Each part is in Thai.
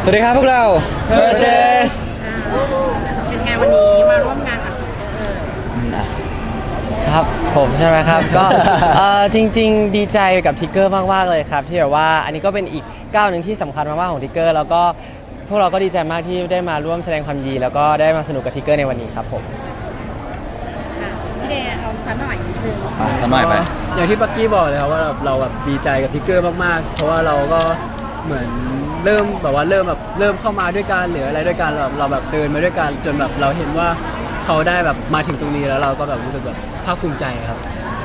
วัสดีครับพวกเรา Versus เป็นไงวันนี้มาร่วมงานกับครับผมใช่ไหมครับ ก็ จริงๆดีใจกับทิกเกอร์มากๆเลยครับที่แบบว่าอันนี้ก็เป็นอีกก้าวหนึ่งที่สำคัญมากๆของทิกเกอร์แล้วก็พวกเราก็ดีใจมากที่ได้มาร่วมแสดงความยินดีแล้วก็ได้มาสนุกกับทิกเกอร์ในวันนี้ครับผมพี่เดย์เอาซะหน่อยนิดนึงสักหน่อยไหมอย่างที่ปักกี้บอกเลยครับว่าเราแบบดีใจกับทิกเกอร์มากๆเพราะว่าเราก็เหมือนเริ่มเข้ามาด้วยกันหรืออะไรด้วยกันเราแบบเดินมาด้วยกันจนแบบเราเห็นว่าเขาได้แบบมาถึงตรงนี้แล้วเราก็แบบรู้สึกแบบภาคภูมิใจครับ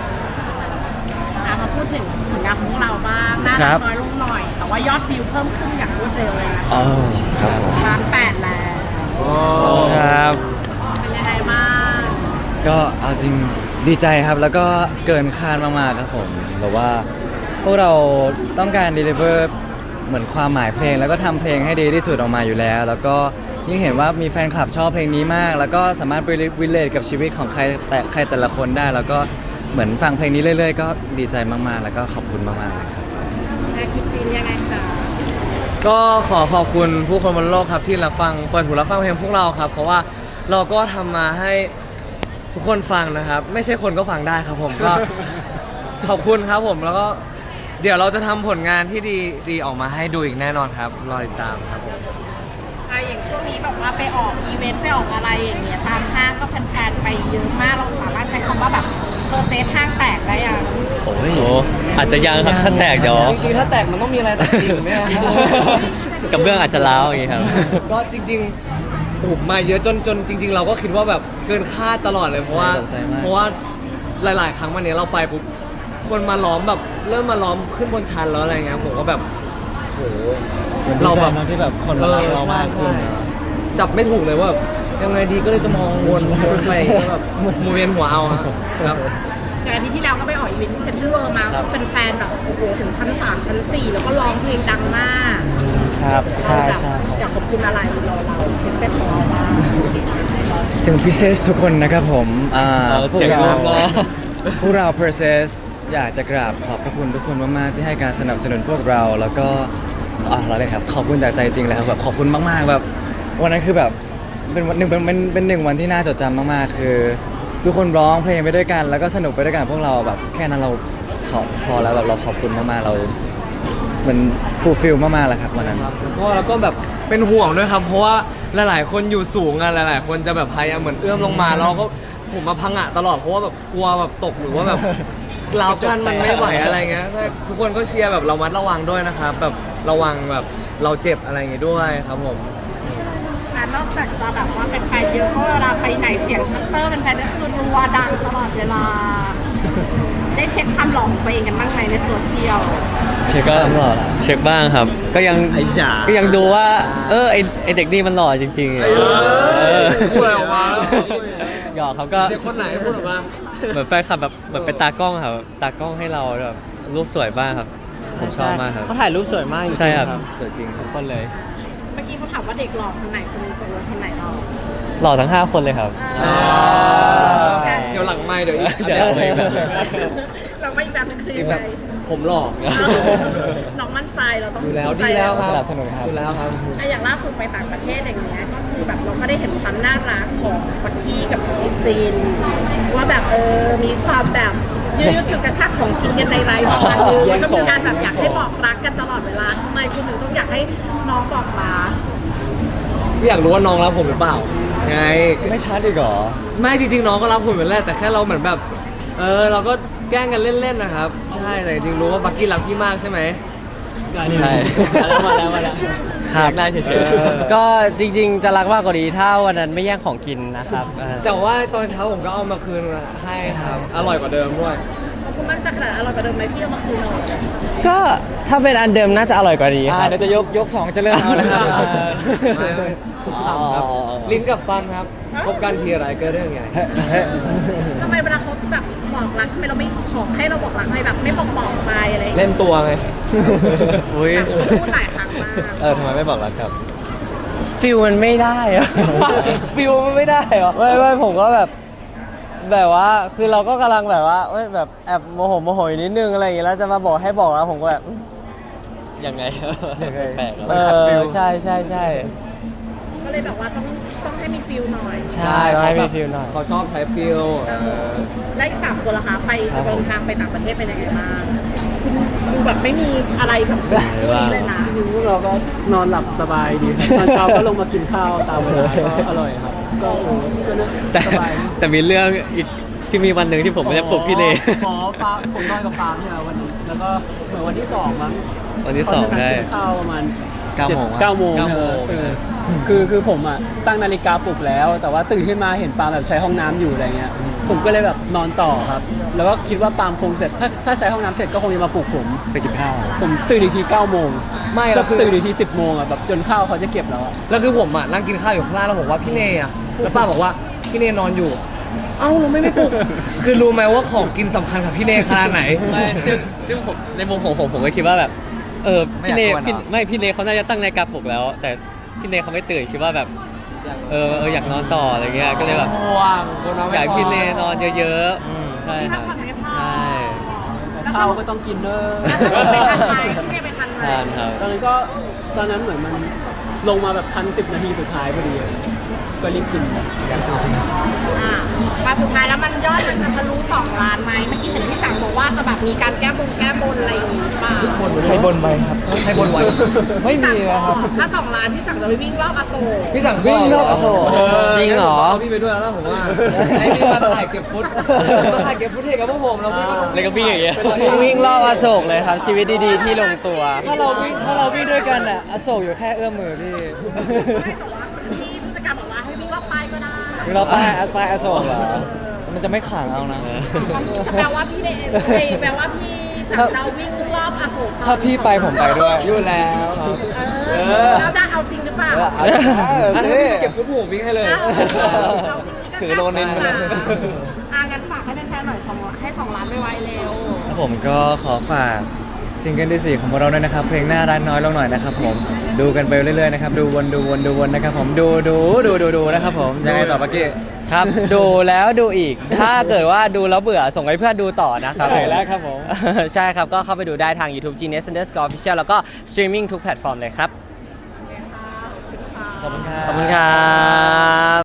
มาพูดถึงผลงานของพวกเราบ้างน่ารักน้อยลงหน่อย แต่ว่ายอดวิวเพิ่มขึ้นอย่างรวดเร็วเลยนะอ๋อครับผม 1,800,000แล้วครับเป็นยังไงบ้างก็เอาจริงดีใจครับแล้วก็เกินคาดมากๆครับผมแบบว่าพวกเราต้องการ deliver เหมือนความหมายเพลงแล้วก็ทำเพลงให้ดีที่สุดออกมาอยู่แล้ว แล้วก็ยิ่งเห็นว่ามีแฟนคลับชอบเพลงนี้มาก แล้วก็สามารถ relate กับชีวิตของใครแต่ละคนได้ แล้วก็เหมือนฟังเพลงนี้เรื่อยๆก็ดีใจมากๆแล้วก็ขอบคุณมากๆเลยครับแอคทิวิตี้ยังไงคะก็ขอขอบคุณผู้คนบนโลกครับที่รับฟังเปิดหูรับฟังเพลงพวกเราครับ เพราะว่าเราก็ทำมาให้ทุกคนฟังนะครับ ไม่ใช่คนก็ฟังได้ครับผมก็ ขอบคุณครับผมแล้วก็เดี๋ยวเราจะทำผลงานที่ดีออกมาให้ดูอีกแน่นอนครับรอติดตามครับผมอย่างช่วงนี้แบบว่าไปออกอีเวนต์ไปออกอะไรอย่างเงี้ยตามห้างก็แฟนๆไปเยอะมากเราสามารถใช้คำว่าแบบเพอร์เซนต์ห้างแตกได้ยังโอ้ยโอ้อาจจะยังครับถ้าแตกเดี๋ยวจริงๆถ้าแตกมันต้องมีอะไรแตกจริงไหมครับกับเบื้องอาจจะร้าวอย่างงี้ครับก็จริงๆโอ้โหมาเยอะจนจริง ๆ เราก็คิดว่าแบบเกินคาดตลอดเลยเพราะว่าตกใจมากเพราะว่าหลาย ๆ ครั้งวันนี้เราไปปุ๊บคนมาล้อมแบบเริ่มมาล้อมขึ้นบนชั้นแล้วอะไรเงี้ยผมก็แบบโหเราแบบที่แบบคนมารักเรามากขึ้นใช่จับไม่ถูกเลยว่าแบบยังไงดีก็เลยจะมองวนไปก็แบบหมุนเวียนหัวเอาครับอย่างอาทิตย์ที่แล้วก็ไปออกอีเวนต์ที่เซ็นทรัลเวิลด์มาแฟนๆแบบโอ้โหถึงชั้น 3 ชั้น 4 แล้วก็ร้องเพลงดังมากครับใช่ใช่อยากขอบคุณอะไรเราเป็นเซตของเราบ้างถึงพิเศษทุกคนนะครับผมเสียงรวมนะพวกเรา Process อยากจะกราบขอบพระคุณทุกคนมากๆที่ให้การสนับสนุนพวกเราแล้วก็เราเลยครับขอบคุณจากใจจริงเลยครับแบบขอบคุณมากๆแบบวันนั้นคือแบบเป็นวันหนึ่งเป็นหนึ่งวันที่น่าจดจำมากๆคือทุกคนร้องเพลงไปด้วยกัน แล้วก็สนุกไปด้วยกันพวกเราแบบแค่นั้นเราพอแล้วแบบเราขอบคุณมากๆเราเหมือนฟูลฟิลมากๆแล้วครับวันนั้นแล้วก็แบบเป็นห่วงด้วยครับ เพราะว่าหลายๆ คนอยู่สูงอะหลายๆ คนจะแบบพยายามเหมือนเอื้อมลงมาแล้วก็ผมมาพังอะตลอดเพราะว่าแบบกลัวแบบตกหรือว่าแบบราวกั้นมันไม่ไหวอะไรเงี้ยใช่ทุกคนก็เชียร์แบบเรามัดระวังด้วยนะครับแบบระวังแบบเราเจ็บอะไรอย่างงี้ด้วยครับผมและนอกจากจะแบบว่าเป็นแฟนเยอะเพราะเวลาไปไหนเสียงชัตเตอร์เป็นแฟนก็คือรัวดังตลอดเวลา ได้เช็คความหล่อของตัวเองกันบ้างไหมในโซเชียลเช็คก็ตลอดเช็คบ้างครับ ก็ยังไอ้จ๋าก็ยังดูว่า ไอเด็กนี่มันหล่อจริงๆพูดอะไรออกมาแล้วหยอกเขาก็เด็กคนไหนพูดออกมาเหมือนแฟนคลับแบบเหมือนเป็นตากล้องครับตากล้องให้เราแบบรูปสวยบ้างครับ ผมชอบมากครับเขาถ่ายรูปสวยมากจริงๆใช่ครับครับสวยจริงครับทุกคนเลยเมื่อกี้เขาถามว่าเด็กหล่อคนไหนคนไหนเราหล่อทั้ง 5 คนเลยครับเดี๋ยวหลังไม่เดี๋ยวอีกเดี๋ยวอีกแบบหนึ่งเราไม่อีกแบบนึงคืออีกยังแบไงบผมหลอกน้องมั่นใจเราต้องอยู่แล้วมั่นใจดีแล้วคสรับนับสนุนครับอยู่แล้วครับอย่างล่าสุดไปต่างประเทศอย่างเงี้ยก็คือแบบเราก็ได้เห็นความน่ารักของปักกี้กับอินตินว่าแบบมีความแบบยืดจุดกระชากของกินกันในรายวันเลยก็มีการแบบอยากให้บอกรักกันตลอดเวลาทำไมคุณถึงต้องอยากให้น้องบอกรักอยากรู้ว่าน้องรักผมหรือเปล่าไงไม่ชัดอีกเหรอไม่จริงๆน้องก็รักผมอยู่แล้วแต่แค่เราเหมือนแบบเราก็แกล้งกันเล่นๆนะครับใช่แต่จริงๆรู้ว่าบักกี้รักพี่มากใช่ไหมใช่มาแล้วครับได้เฉยๆก็จริงๆจะรักมากกว่านี้ถ้าวันนั้นไม่แย่งของกินนะครับแต่ว่าตอนเช้าผมก็เอามาคืนให้ครับอร่อยกว่าเดิมด้วยคุณมั่นใจขนาดอร่อยกว่าเดิมไหมพี่เอามาคืนเราก็ถ้าเป็นอันเดิมน่าจะอร่อยกว่านี้ครับเดี๋ยวจะยก2จะเริ่มเอาแล้วครับไม่ทุกคำครับลิ้นกับฟันครับพบกันทีไรก็เรื่องใหญ่ทำไมเวลาเขาแบบบอกรักทำไมเราไม่ขอให้เราบอกรักทำไมแบบไม่บอกไปอะไรอย่างเงี้ยเล่นตัวไงอุ้ยพูดหลายครั้งมากทำไมไม่บอกรักครับฟิลมันไม่ได้อะ ฟิลมันไม่ได้เหรอไม่ผมก็แบบว่าคือเราก็กำลังแบบว่าแบบแอบโมโหอยู่นิดนึงอะไรอย่างเงี้ยแล้วจะมาบอกให้บอกแล้วผมก็แบบยังไงยังไงแปลกๆครับเออใช่ใช่ใช่ก็เลยแบบว่าต้องให้มีฟิลหน่อยใช่ต้องให้มีฟิลหน่อยเขาชอบใช้ฟิลและอีก3 คนล่ะคะไปครับผมเดินทางไปต่างประเทศเป็นยังไงบ้างดูแบบไม่มีอะไรแบบคู่นี้เลยนะจริงๆพวกเราก็นอนหลับสบายดีครับตอนเช้าก็ลงมากินข้าวตามเวลาก็อร่อยครับ ก็ก็เนี่ยแต่สบายแต่มีเรื่องอีกที่มีวันหนึ่งที่ผมไม่ได้ปลุกพี่เลอ๋อปาผมนอนกับปาล์มเนี่ยวันนี้แล้วก็เหมือนวันที่2มั้งวันที่สองตนได้นั้นกินข้าวประมาณ 9 โมง 9 โมง 9 โมงเออคือผมอ่ะตั้งนาฬิกาปลุกแล้ว แต่ว่าตื่นขึ้นมาเห็นปาล์มแบบใช้ห้องน้ำอยู่อะไรเงี้ยผมก็เลยแบบนอนต่อครับ แล้วก็คิดว่าปาล์มคงเสร็จถ้าใช้ห้องน้ำเสร็จก็คงจะมาปลุกผมไปกินข้าวผมตื่นอีกที9 โมงไม่แล้แล้ว วคือตื่นอีกที10 โมงอ่ะแบบจนข้าวเขาจะเก็บแล้วอะแล้วคือผมอ่ะนั่งกินข้าวอยู่ข้างล่างแล้วผมว่าพี่เนยอ่ะแล้วป้าบอกว่าพี่เนยนอนอยู่ เอ้าเราไม่ปลุก คือรู้ไหมว่าของกินสำคัญกับพี่เนยขนาดไหนไม่ซึ่งผมในมุมของผมก็คิดว่าแบบพี่เนไม่อยากกวนเหรอพี่เนเขาน่าจะตั้งนาฬิกาปลุกแล้ว แต่พี่เนเขาไม่ตื่นคิดว่าแบบอยากนอนต่ออะไรเงี้ยก็เลยแบบห่วงคนเราไม่อยากให้พี่เนนอนเยอะอืมๆใช่ที่คพัรักบผ่อนไม่พอใช่แล้วข้าวก็ต้องกินเนอะไปทันไหมที่เนี่ยไปทันไหมทานครับตอนนั้นเหมือนมันลงมาแบบทัน10 นาทีสุดท้ายพอดีอะก็รีบกินมาสุดท้ายแล้วมันยอดมันจะทะลุ2 ล้านไหมเมื่อกี้เห็นพี่จังบอกว่าจะแบบมีการแก้บนอะไรอย่างงี้เปล่าใครบนไหมครับใครบนไว้ไม่มีนะครับถ้า2 ล้านพี่จังจะไปวิ่งรอบอโศกพี่สั่งวิ่งรอบอโศกจริงเหรอเอาพี่ไปด้วยแล้วนะผมว่าให้พี่มาถ่ายเก็บฟุตมาถ่ายเก็บฟุตเทกับพวกผมแล้วพี่ก็แล้วก็วิ่งอย่างเงี้ยวิ่งรอบอโศกเลยครับ ชีวิตดีๆที่ลงตัวถ้าเราวิ่งด้วยกันอ่ะอโศกอยู่แค่เอื้อมมือพี่ไม่แต่ว่าพี่ผู้จัดการบอกว่าให้วิ่งรอบป้ายก็ได้คือเราป้ายอโศกเหรอมันจะไม่ขลังเอานะแปลว่าพี่เดย์แปลว่าพี่จังจะวิ่งรอบอโศกถ้าพี่ไปผมไปด้วยอยู่แล้วแล้วได้เอาจริงหรือเปล่าเอาสิเก็บฟุตผมวิ่งให้เลยถือโลนึงไปเลยงั้นฝากให้แฟนๆหน่อยให้2 ล้านไวๆเร็วครับผมก็ขอฝากซิงเกิลที่ 4 ของพวกเราด้วยนะครับ เพลงหน้ารักน้อยลงหน่อยนะครับผมดูกันไปเรื่อยๆนะครับดูวนนะครับผมดูนะครับผมยังไงต่อเมื่อกี้ครับ ดูแล้วดูอีก ถ้าเกิดว่าดูแล้วเบื่อส่งให้เพื่อนดูต่อนะครับใช่แล้วครับผมใช่ครับ ก็เข้าไปดูได้ทาง YouTube Genius Underscore Official แล้วก็สตรีมมิ่งทุกแพลตฟอร์มเลยครับขอบคุณครับขอบคุณครับ